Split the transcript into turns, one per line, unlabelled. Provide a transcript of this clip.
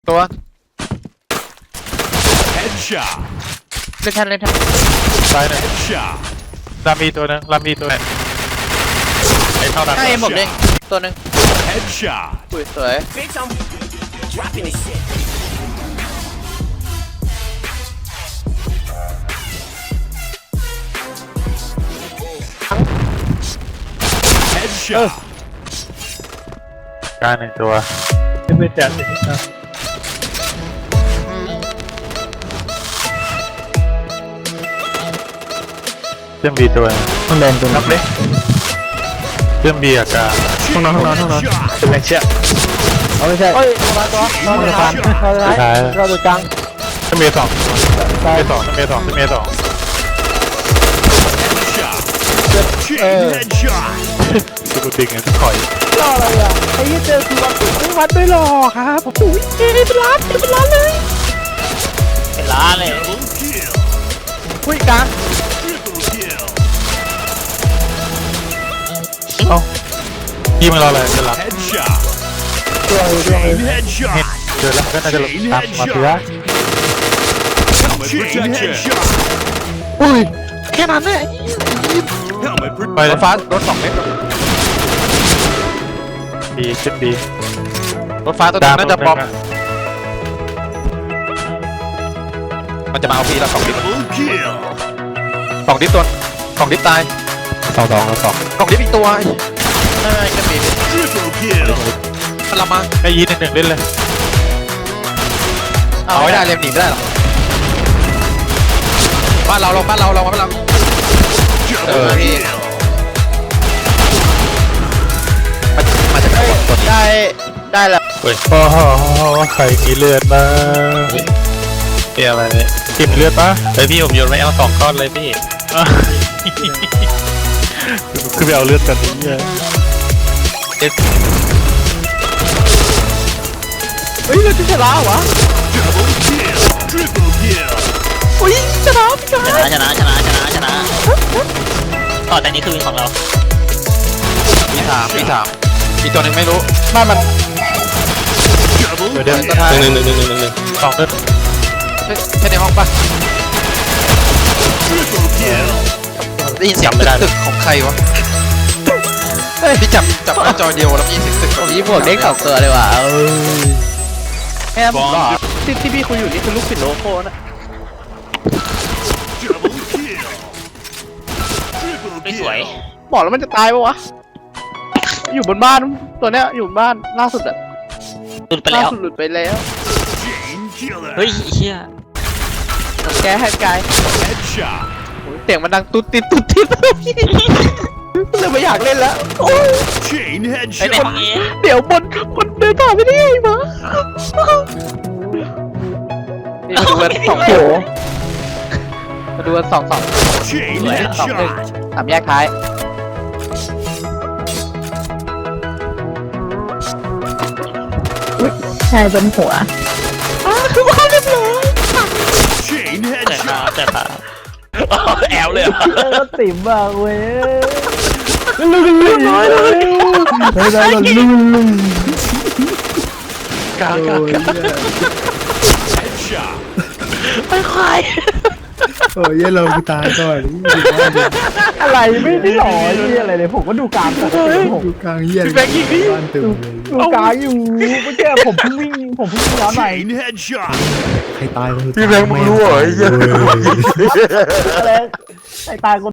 ตัว
Headshot.
เล่นทันเล่นทัน
ตายหนึ่ง
Headshot.
ลำมีตัวนึงลำมีตัวนึงไอ้เท่านั้น
ให้หมวกเด้งตัวหนึ่ง
Headshot.
อุ้ยสวย
Bitch, I'm dropping this shit.
Headshot.
การหนึ่งตัว
ไม่แจกสิครับ
เครื่องบีตัวนึง
ต้องแดงตัวนับเลย
เครื่องบีอากาศ
ห้องนอน
Headshot.
เป็นแรงเชี่ยเอาไม่ใช่
เฮ้ยมาตัวมาตัวผ่านเราจะไหนเราตัวกลาง
เครื่องบีสองเครื่องบีสองเครื่องบีสองเครื่องบีสอง
Chain headshot.
กูติงไงถอย
รออะไรอ่ะไอ้ยี่เจอคือวัดไม่วัดไม่รอครับผมอุ้ยเป็นล้านเลย
เป็นล้านเลย
Double kill.
อุ้ยกลาง
Triple kill.
เอ้ายี่มันรออะไรจะหลับ
Headshot.
ตัวอยู่ด้วย
Chain headshot.
เจอแล้วก็น่าจะหลับตามมาทีละ
Chain headshot.
อุ้ยแค่นั้นเนี่ย
Helmet
ไป
protect.
เลย
ฟ้ารถ2 เมตร
บีขึ้นบี
รถฟ้าตัวนึงน่าจะปลอมมันจะมาเอาพี่ละ2 ดิส
Double kill.
2 ดิสตัว2 ดิสตาย
สอง
2 ดิสอีกตัวไม่ก็มี
Triple kill.
มันละมา
ไอ้ยีหนึ่งเล่นเลย
เอาไม่ได้เรียมหนีไม่ได้หรอกบ้านเรามาบ้านเรา
Double kill.
มันจะได้แล้ว
เฮ้ยโอ้โหใครมีเลือดบ้างเกี่ยอะไรเนี่ยกินเลือดปะไอพี่ผมโยนไว้เอา2 ก้อนเลยพี่คือไปเอาเลือดกันนี่ไง
เฮ้ยเราจะชนะวะ
Double kill. Triple kill.
อุ้ยชนะพี่ชนะ
ชนะต่อแต่นี้คือวินของเรา
มีถามมีตัวหนึ่งไม่รู้
บ้านมัน
Double
เดี๋ยว
ตัวท้าย
หนึ่งสองเลือด
ใช่ในห้องปะ
triple kill.
ได้ยินเสียงตึกของใครวะพี่จับหน้าจอเดียวแล้วมีเสียงตึก
นี่บวกเด็ก2 ตัวเลยว่ะแค่ผมรอที่พี่คุยอยู่นี่คือลูกศิษย์โลโก้นะ
Double kill. Triple
ไม่สวย
kill.
บอกแล้วมันจะตายปะวะอยู่บนบ้านตัวเนี้ยอยู่บนบ้านล่าสุดอะ
หลุดไปแล้ว
ล่าสุดหลุดไปแล้ว
Chain killer.
เฮ้ยเฮีย
แกให้กาย
Headshot.
เสียงมันดังตุ๊ดติดพี่เลยไม่อยากเล่นแล้วโอ้ย
Chain
ไปใน
headshot.
ห้องเอ
เดี๋ยวบนเดินผ่านไม่ได้ไงมานี่มาดูกัน2 โถมาดูกัน2
Chain
2
headshot.
3 แยกท้าย
ใช่บนหัว
Chain
แต่ขา
headshot.
แต่ขาแอลเลย
ก็ติ๋มมากเว้ย
Headshot.
โอ้ยเราไปตายก่อน
อะไรไม่ได้หล่อที่อะไรเลยผมก็ดูกลางปกติผม
ดูกลางเยี่ยนบ้านตึมเลย
ดูกลางอยู่เมื่อกี้ผมเพิ่งวิ่งย้อนไป
Chain headshot.
ใครตาย
พี่แบงค์มึงรู้เหรอไอ้เหี้ย
อะไรไอ้ตายคน